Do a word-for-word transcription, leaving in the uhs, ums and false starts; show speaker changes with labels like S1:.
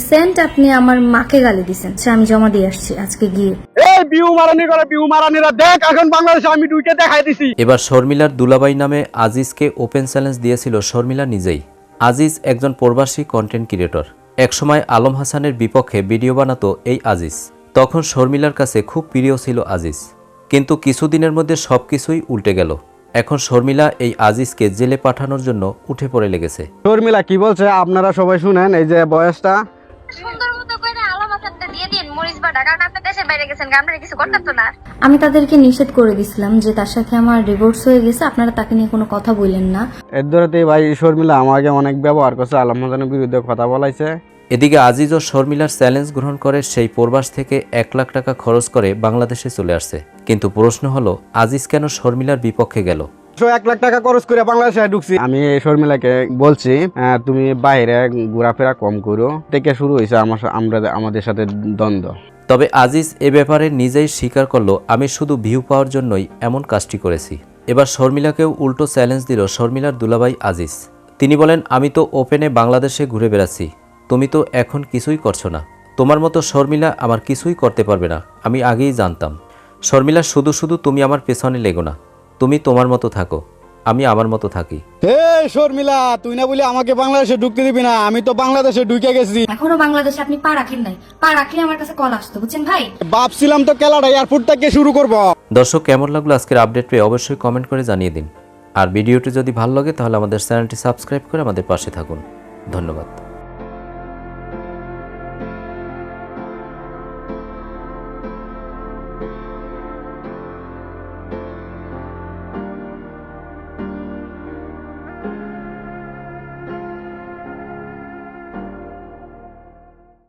S1: Recent আপনি আমার মাকে গালি দিয়েছেন, সে আমি জমা দিয়ে আসছি আজকে গিয়ে।
S2: এই বিউ মারানি করে বিউ মারানিরা দেখ এখন বাংলাদেশে আমি দুইটা দেখাই দিছি।
S3: এবার শর্মিলার দুলাভাই নামে আজিজকে ওপেন চ্যালেঞ্জ দিয়েছিল শর্মিলা নিজেই। আজিজ একজন প্রবাসী কন্টেন্ট ক্রিয়েটর। একসময় আলম হাসানের বিপক্ষে ভিডিও বানাতো এই আজিজ। তখন শর্মিলার কাছে খুব প্রিয় ছিল আজিজ, কিন্তু কিছুদিনের মধ্যে সবকিছুই উল্টে গেল। এখন শর্মিলা এই আজিজকে জেলে পাঠানোর জন্য উঠে পড়ে লেগেছে।
S2: শর্মিলা কি বলছে আপনারা সবাই শুনেন, এই যে বয়সটা
S4: সুন্দর মতো করে আলাম হাসানটা দিয়ে দিন মরিচ বাটা, কারণ আপনি দেশে বাইরে গেছেন, আপনারা কিছু করতেন তো না।
S1: আমি তাদেরকে নিষেধ করে দিছিলাম যে তার সাথে আমার ডিভোর্স হয়ে গেছে, আপনারা তাকে নিয়ে কোনো কথা বললেন না।
S2: এর ধরেতেই ভাই শর্মিলা আমাকে অনেক ব্যবহার করছে, আলম হাসানের বিরুদ্ধে কথা বলাইছে।
S3: এদিকে আজিজ ও শর্মিলার চ্যালেঞ্জ গ্রহণ করে সেই প্রবাস থেকে এক লাখ টাকা খরচ করে বাংলাদেশে চলে আসছে। কিন্তু প্রশ্ন হলো, আজিজ কেন শর্মিলার বিপক্ষে গেল?
S2: এক লাখ টাকা খরচ করে বাংলাদেশে ঢুকছি। আমি শর্মিলাকে বলছি তুমি বাইরে ঘোরাফেরা কম করো, থেকে শুরু হয়েছে আমার আমরা আমাদের সাথে দ্বন্দ্ব।
S3: তবে আজিজ এ ব্যাপারে নিজেই স্বীকার করলো, আমি শুধু ভিউ পাওয়ার জন্যই এমন কাজটি করেছি। এবার শর্মিলাকেও উল্টো চ্যালেঞ্জ দিল শর্মিলার দুলাভাই আজিজ। তিনি বলেন, আমি তো ওপেনে বাংলাদেশে ঘুরে বেড়াচ্ছি, তুমি তো এখন কিছুই করছো না। তোমার মতো শর্মিলা আমার কিছুই করতে পারবে না, আমি আগেই জানতাম। শর্মিলা, শুধু শুধু তুমি আমার পেছনে লেগো না, তুমি তোমার মতো থাকো, আমি আমার মতো থাকি।
S2: হে শর্মিলা, তুই না বলি আমাকে বাংলাদেশে ঢুকতে দিবি না, আমি তো বাংলাদেশে ঢুকে গেছি।
S1: এখনো বাংলাদেশে আপনি পা রাখেন নাই, পা রাখলে আমার কাছে কল আসতো, বুঝছেন ভাই।
S2: ভাবছিলাম তো খেলাটা এয়ারপোর্ট থেকে শুরু করব।
S3: দর্শক, কেমন লাগলো আজকের আপডেট পেয়ে অবশ্যই কমেন্ট করে জানিয়ে দিন। আর ভিডিওটি যদি ভালো লাগে তাহলে আমাদের চ্যানেলটি সাবস্ক্রাইব করে আমাদের পাশে থাকুন। ধন্যবাদ।